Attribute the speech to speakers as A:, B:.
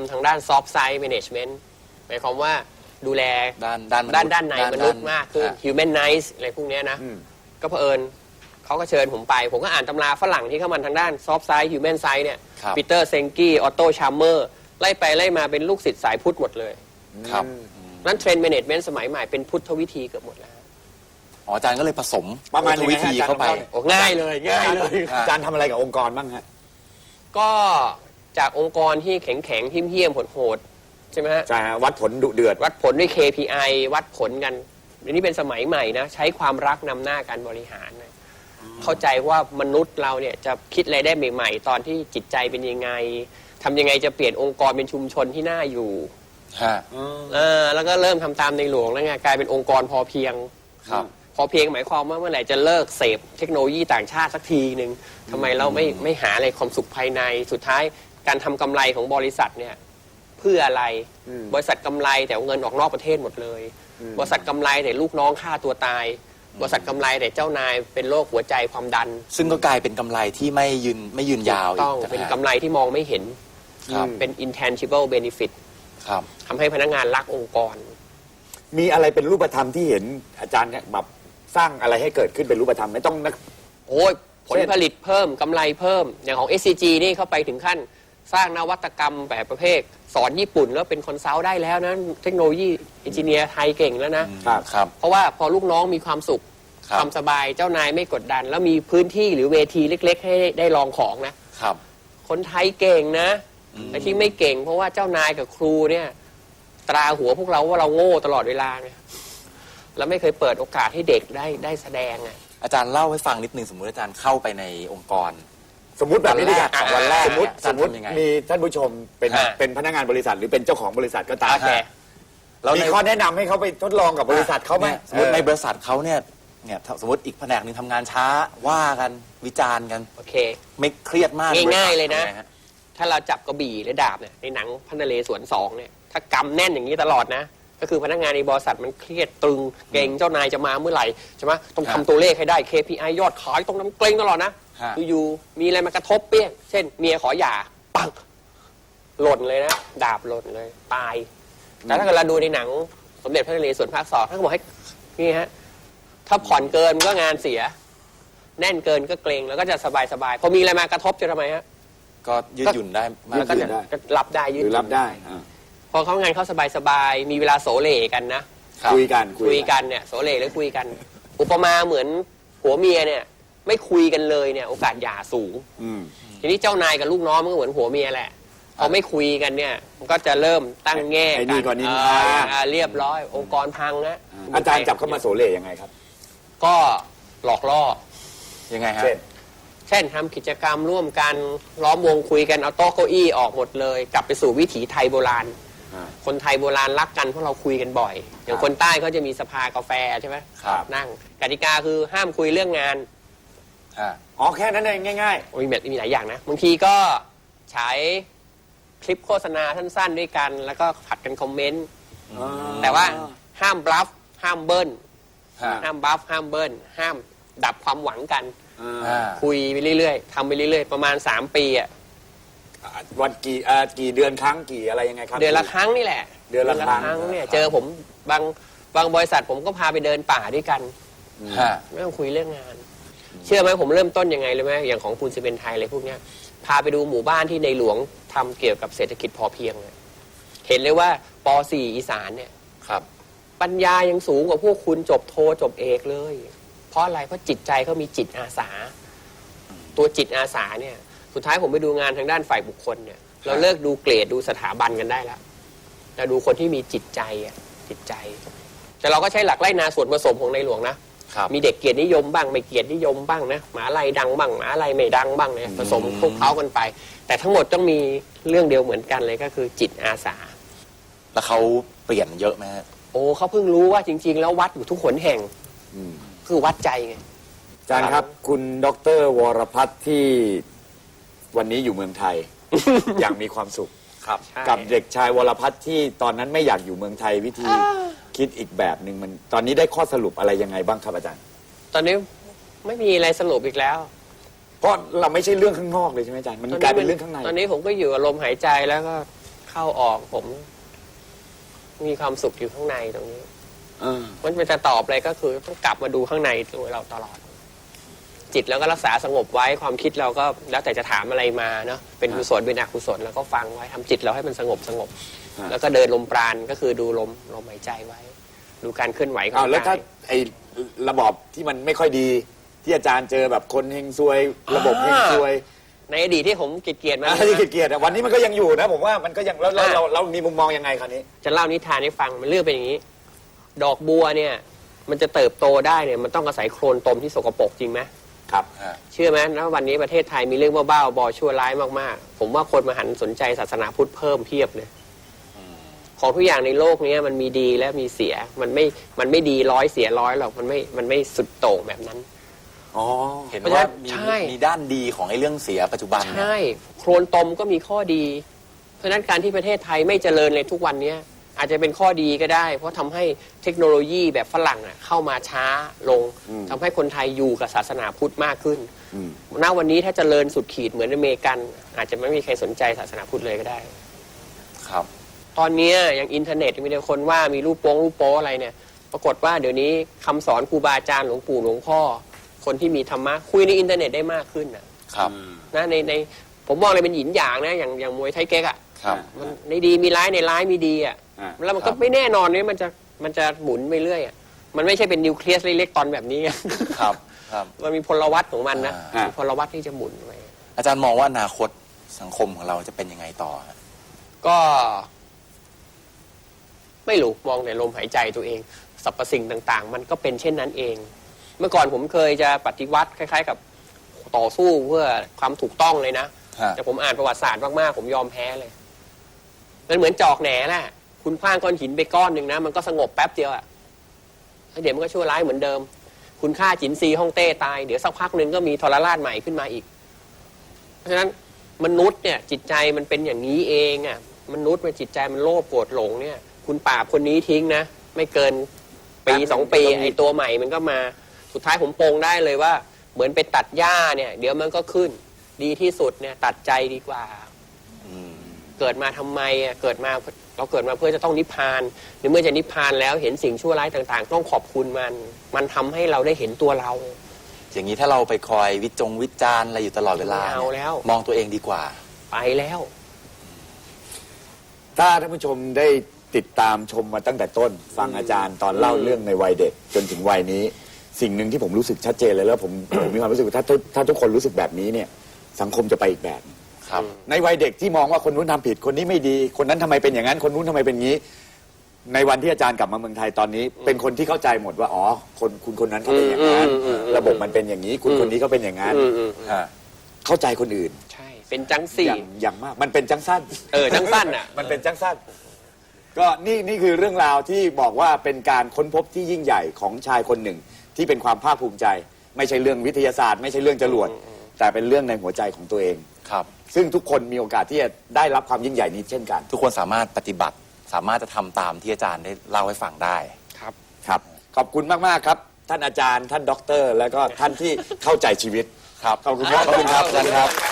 A: ำทางด้าน soft side management หมายความว่าดูแลด้านในมนุษย์มากขึ้น humanize อะไรพวกนี้นะก็เผอิญเขาก็เชิญผมไปผมก็อ่านตำราฝรั่งที่เข้ามาทางด้าน soft side human side เนี่ยปีเตอร์เซงกี้ออตโตชาร์เมอร์ไล่ไปไล่มาเป็นลูกศิษย์สายพุทธหมดเลย
B: ครับ
A: นั้นเทรนด์แมネจเมนต์สมัยใหม่เป็นพุทธวิธีเกือบหมดแล้ว
B: อาจารย์ก็เลยผสม
C: ประมาณ
B: วิธีเข้าไป
A: ง่ายเลย
C: อาจารย์ทำอะไรกับองค์กรบ้างฮะ
A: ก็จากองค์กรที่แข็งๆเหี้ยมๆโหดๆใช่ไหมฮะ
C: ใช่วัดผลดุเดือด
A: วัดผลด้วย KPI วัดผลกันอันนี้เป็นสมัยใหม่นะใช้ความรักนำหน้าการบริหารนะเข้าใจว่ามนุษย์เราเนี่ยจะคิดอะไรได้ใหม่ๆตอนที่จิตใจเป็นยังไงทำยังไงจะเปลี่ยนองค์กรเป็นชุมชนที่น่าอยู่แล้วก็เริ่มทำตามในหลวงแล้วไงกลายเป็นองค์กรพอเพียงพอเพียงหมายความว่าเมื่อไหร่จะเลิกเสพเทคโนโลยีต่างชาติสักทีหนึ่งทำไมเราไม่หาอะไรความสุขภายในสุดท้ายการทำกำไรของบริษัทเนี่ยเพื่ออะไรบริษัทกำไรแต่เงินออกนอกประเทศหมดเลยบริษัทกำไรแต่ลูกน้องฆ่าตัวตายบริษัทกำไรแต่เจ้านายเป็นโรคหัวใจความดัน
B: ซึ่งก็กลายเป็นกำไรที่ไม่ยืนยาว
A: ต้องเป็นกำไรที่มองไม่เห็นเป็น intangible benefit ทำให้พนักงานรักองค์กร
C: มีอะไรเป็นรูปธรรมที่เห็นอาจารย์เนี่ยแบบสร้างอะไรให้เกิดขึ้นเป็นรูปธรรมไม่ต้องนะ
A: โอ้ยผลผลิตเพิ่มกำไรเพิ่มอย่างของ SCG นี่เข้าไปถึงขั้นสร้างนวัตกรรมแบบประเภทสอนญี่ปุ่นแล้วเป็นคอนซัลท์ได้แล้วนะเทคโนโลยีเอนจิเนียร์ไทยเก่งแล้วนะครับเพราะว่าพอลูกน้องมีความสุขความสบายเจ้านายไม่กดดันแล้วมีพื้นที่หรือเวทีเล็กๆให้ได้ลองของนะครับคนไทยเก่งนะไอ้ที่ไม่เก่งเพราะว่าเจ้านายกับครูเนี่ยตราหัวพวกเราว่าเราโง่ตลอดเวลาไงแล้วไม่เคยเปิดโอกาสให้เด็กได้แสดงไง
B: อาจารย์เล่าให้ฟังนิดนึงสมมุติอาจารย์เข้าไปในองค์กร
C: สมมติแบบนี้ดีกว่าวันแรกสมมติมีท่านผู้ชมเป็นพนักงานบริษัทหรือเป็นเจ้าของบริษัทก็ตามเรามีข้อแนะนำให้เขาไปทดลองกับบริษัทเขาไหม
B: สมมติในบริษัทเขาเนี่ยสมมติอีกแผนกหนึ่งทำงานช้าว่ากันวิจารณ์กัน
A: โอเค
B: ไม่เครียดมาก
A: ง่ายๆเลยนะถ้าเราจับกระบี่หรือดาบเนี่ยในหนังพระนเรศวร2เนี่ยถ้ากำแน่นอย่างนี้ตลอดนะก็คือพนักงานในบริษัทมันเครียดตึงเกรงเจ้านายจะมาเมื่อไหร่ใช่ไหมต้องทำตัวเลขให้ได้ KPI ยอดขายต้องเกรงตลอดนะอยู่มีอะไรมากระทบเปี้ยงเช่นเมียขอหย่าปังหล่นเลยนะดาบหล่นเลยตายแต่ถ้าเกิดเราดูในหนังสมเด็จพระนเรศวรภาค2ท่านก็บอกให้นี่ฮะถ้าผ่อนเกินก็งานเสียแน่นเกินก็เกรงแล้วก็จะสบายพอมีอะไรมากระทบจะทำไมฮะ
B: ก็ยืดหยุ่นได้
A: แล้วก็จะรับได้ยืดหยุ่น
C: รับได้
A: พอเขางานเขาสบายมีเวลาโสเลกันนะ
C: คุยกัน
A: เนี่ยโสเลหรือคุยกันอุปมาเหมือนผัวเมียเนี่ยไม่คุยกันเลยเนี่ยโอกาสหย่าสูงทีนี้เจ้านายกับลูกน้องมันก็เหมือนผัวเมียแหละพอไม่คุยกันเนี่ยมันก็จะเริ่มตั้งแง่
C: กัน
A: เรียบร้อยองค์กรพังนะ
C: อาจารย์จับเข้ามาโสเลยังไงครับ
A: ก็หลอกล่อ
B: ยังไงฮะ
A: เช่นทำกิจกรรมร่วมกันล้อมวงคุยกันเอาโต๊ะเก้าอี้ออกหมดเลยกลับไปสู่วิถีไทยโบราณคนไทยโบราณรักกันเพราะเราคุยกันบ่อยอย่างคนใต้เขาจะมีสภากาแฟใช่ไหมนั่งกติกาคือห้ามคุยเรื่องงาน
C: อ๋อแค่นั้นเองง่าย
A: ๆมีหลายอย่างนะบางทีก็ฉายคลิปโฆษณาสั้นๆด้วยกันแล้วก็ผัดกันคอมเมนต์แต่ว่าห้ามบลัฟห้ามเบิ้ลห้ามบลัฟห้ามเบิ้ลห้ามดับความหวังกันคุยไปเรื่อยๆทำไปเรื่อยๆประมาณ3 ปีอ่ะ
C: วันกี่เดือนครั้งกี่อะไรยังไงครับ
A: เดือนละครั้งนี่แหละ
C: เดือนละครั้ง
A: เนี่ยเจอผมบางบริษัทผมก็พาไปเดินป่าด้วยกันไม่ต้องคุยเรื่องงานเชื่อไหมผมเริ่มต้นยังไงเลยไหมอย่างของคุณซีเมนต์ไทยอะไรพวกเนี้ยพาไปดูหมู่บ้านที่ในหลวงทำเกี่ยวกับเศรษฐกิจพอเพียงเห็นเลยว่าป .4 อีสานเนี่ยปัญญายังสูงกว่าพวกคุณจบโทจบเอกเลยเพราะอะไรเพราะจิตใจเขามีจิตอาสาตัวจิตอาสาเนี่ยสุดท้ายผมไปดูงานทางด้านฝ่ายบุคคลเนี่ยเราเลิกดูเกรดดูสถาบันกันได้แล้วเราดูคนที่มีจิตใจแต่เราก็ใช้หลักไล่นาส่วนผสมของในหลวงนะมีเด็กเกียรตินิยมบ้างไม่เกียรตินิยมบ้างนะหมาลัยดังบ้างหมาลัยไม่ดังบ้างเนี่ยผสมคลุกเคล้ากันไปแต่ทั้งหมดต้องมีเรื่องเดียวเหมือนกันเลยก็คือจิตอาสา
B: แล้วเขาเปลี่ยนเยอะไหม
A: โอ้เขาเพิ่งรู้ว่าจริงๆแล้ววัดอยู่ทุกหนแห่งคือวัดใจไง
C: อาจารย์ครับคุณดร.วรพัฒน์ที่วันนี้อยู่เมืองไทย อย่างมีความสุขกับเด็กชายวรพัฒน์ที่ตอนนั้นไม่อยากอยู่เมืองไทยวิธีคิดอีกแบบหนึ่งมันตอนนี้ได้ข้อสรุปอะไรยังไงบ้างครับอาจารย์
A: ตอนนี้ไม่มีอะไรสรุปอีกแล้ว
C: เพราะเราไม่ใช่เรื่องข้างนอกเลยใช่ไหมอาจารย์มันกลายเป็นเรื่องข้างใน
A: ตอนนี้ผมก็อยู่อารมณ์หายใจแล้วก็เข้าออกผม มีความสุขอยู่ข้างในตรงนี้
C: เออ
A: มันจะตอบอะไรก็คือต้องกลับมาดูข้างในตัวเราตลอด จิตแล้วก็รักษาสงบไว้ความคิดเราก็แล้วแต่จะถามอะไรมาเนาะเป็นกุศลเป็นอกุศลแล้วก็ฟังไว้ทำจิตเราให้มันสงบ แล้วก็เดินลมปราณก็คือดูลมหายใจไว้ ดูการเคลื่อนไหวของ
C: แล้วถ้าก
A: าย
C: ไอ้ระบอบที่มันไม่ค่อยดี ที่อาจารย์เจอแบบคนเฮงซวย ระบบเฮงซวย
A: ในอดีตที่ผมเกลียดๆมา
C: ที่เกลียดๆอะวันนี้มันก็ยังอยู่นะ ผมว่ามันก็ยังแล้วเรามีมุมมองยังไงคราวนี้
A: จะเล่านิทานให้ฟังมันเรื่องเป็นอย่างนี้ ดอกบัวเนี่ย มันจะเติบโตได้เนี่ยมันต้องอาศัยโคลนตมที่สกปรกจริงไหม
C: ครับ
A: เชื่อไหมนะวันนี้ประเทศไทยมีเรื่องบ้าๆบอชั่วร้ายมากๆ ผมว่าคนมาหันสนใจศาสนาพุทธเพิ่มเพียบเลยของทุกอย่างในโลกนี้มันมีดีและมีเสียมันไม่ดีร้อยเสียร้อยหรอกมันไม่สุดโต่งแบบนั้น
B: อ๋อ เห็นว่ามี
A: ใช่
B: มีด้านดีของไอ้เรื่องเสียปัจจุบันเนี่ย
A: ใช่โคลนตมก็มีข้อดี เพราะฉะนั้นการที่ประเทศไทยไม่เจริญเลยทุกวันนี้อาจจะเป็นข้อดีก็ได้ เพราะทำให้เทคโนโลยีแบบฝรั่งเข้ามาช้าลงทำให้คนไทยอยู่กับศาสนาพุทธมากขึ้นณวันนี้ถ้าเจริญสุดขีดเหมือนอเมริกัน อาจจะไม่มีใครสนใจศาสนาพุทธเลยก็ได้
B: ครับ
A: ตอนนี้อย่างอินเทอร์เน็ตมีแต่คนว่ามีรูปโป๊อะไรเนี่ย ปรากฏว่าเดี๋ยวนี้คำสอนครูบาอาจารย์หลวงปู่หลวงพ่อ คนที่มีธรรมะคุยในอินเทอร์เน็ตได้มากขึ้นนะครับ นะในผมมองเลยเป็นหยินหยางนะอย่างมวยไทยเก๊กอ่ะ
B: ครับ
A: มันในดีมีร้ายในร้ายมีดีอ่ะ แล้วมันก็ไม่แน่นอนเนี่ยมันจะหมุนไปเรื่อยอ่ะมันไม่ใช่เป็นนิวเคลียสเล็กๆตอนแบบนี้
B: ครับ ครับ
A: มันมีพลวัตของมันนะ
B: อ่ามี
A: มีพลวัตที่จะหมุนไป
B: อาจารย์มองว่าอนาคตสังคมของเราจะเป็นยังไงต่อฮะ
A: ก็ ไม่รู้มองแต่ลมหายใจตัวเองสรรพสิ่งต่างๆ มันก็เป็นเช่นนั้นเอง เมื่อก่อนผมเคยจะปฏิวัติคล้ายๆ กับต่อสู้เพื่อความถูกต้องเลยนะ
B: ฮะ
A: แต่ผมอ่านประวัติศาสตร์มากๆผมยอมแพ้เลยมันเหมือนจอกแหน่แหละคุณคว้างก้อนหินไปก้อนหนึ่งนะมันก็สงบแป๊บเดียวอะแล้วเดี๋ยวมันก็ชั่วร้ายเหมือนเดิม คุณฆ่าจินซีฮ่องเต้ตายเดี๋ยวสักพักหนึ่งก็มีทรราชใหม่ขึ้นมาอีก เพราะฉะนั้นมนุษย์เนี่ยจิตใจมันเป็นอย่างนี้เองอ่ะมนุษย์มันจิตใจมันโลภโกรธหลงเนี่ย คุณปราบคนนี้ทิ้งนะไม่เกินปี2 ปีไอ้ตัวใหม่มันก็มาสุดท้ายผมโปงได้เลยว่า เหมือนไปตัดหญ้าเนี่ยเดี๋ยวมันก็ขึ้นดีที่สุดเนี่ยตัดใจดีกว่าเกิดมาทำไมอ่ะเราเกิดมาเพื่อจะต้องนิพพานหรือเมื่อจะนิพพานแล้วเห็นสิ่งชั่วร้ายต่างๆ ต้องขอบคุณมันทำให้เราได้เห็นตัวเรา
B: อย่างนี้ถ้าเราไปคอยวิจารณ์อะไรอยู่ตลอดเวลา
A: ไม่เอา
B: เนี่ย
A: แล้ว
B: มองตัวเองดีกว่า
A: ไปแล้ว
C: ถ้าท่านผู้ชมได้ติดตามชมมาตั้งแต่ต้น ฟังอาจารย์ตอนเล่าเรื่องในวัยเด็กจนถึงวัยนี้ สิ่งหนึ่งที่ผมรู้สึกชัดเจนเลยแล้วผม มีความรู้สึกว่าถ้าทุกคนรู้สึกแบบนี้เนี่ย สังคมจะไปอีกแบบ
B: ครับ
C: ในวัยเด็กที่มองว่าคนนู้นทำผิดคนนี้ไม่ดี คนนั้นทำไมเป็นอย่างนั้นคนนู้นทำไมเป็นงี้ ในวันที่อาจารย์กลับมาเมืองไทยตอนนี้ เป็นคนที่เข้าใจหมดว่าอ๋อคุณคนนั้นเขาเป็นอย่างนั้นระบบมันเป็นอย่างนี้คุณคนนี้เขาเป็นอย่างนั้น
B: ฮะ
C: เข้าใจคนอื่น
A: ใช่ เป็นจังสี่
C: อย่างมากมันเป็นจังสั้น
A: จังสั้นอ่ะ
C: มันเป็นจังสั้นก็นี่คือเรื่องราวที่บอกว่าเป็นการค้นพบที่ยิ่งใหญ่ของชายคนหนึ่ง ที่เป็นความภาคภูมิใจ ไม่ใช่เรื่องวิทยาศาสตร์ ไม่ใช่เรื่องจรวดแต่เป็นเรื่องในหัวใจของตัวเอง
B: ครับ
C: ซึ่งทุกคนมีโอกาสที่จะได้รับความยิ่งใหญ่นี้เช่นกัน
B: ทุกคนสามารถปฏิบัติ สามารถจะทำตามที่อาจารย์ได้เล่าให้ฟังได้
A: ครับ
C: ครับขอบคุณมากๆครับ ท่านอาจารย์ท่านด็อกเตอร์ แล้วก็ท่านที่เข้าใจชีวิต
B: ครับ
C: ขอบคุณครับ
B: ขอบคุณครับอาจารย์ครับ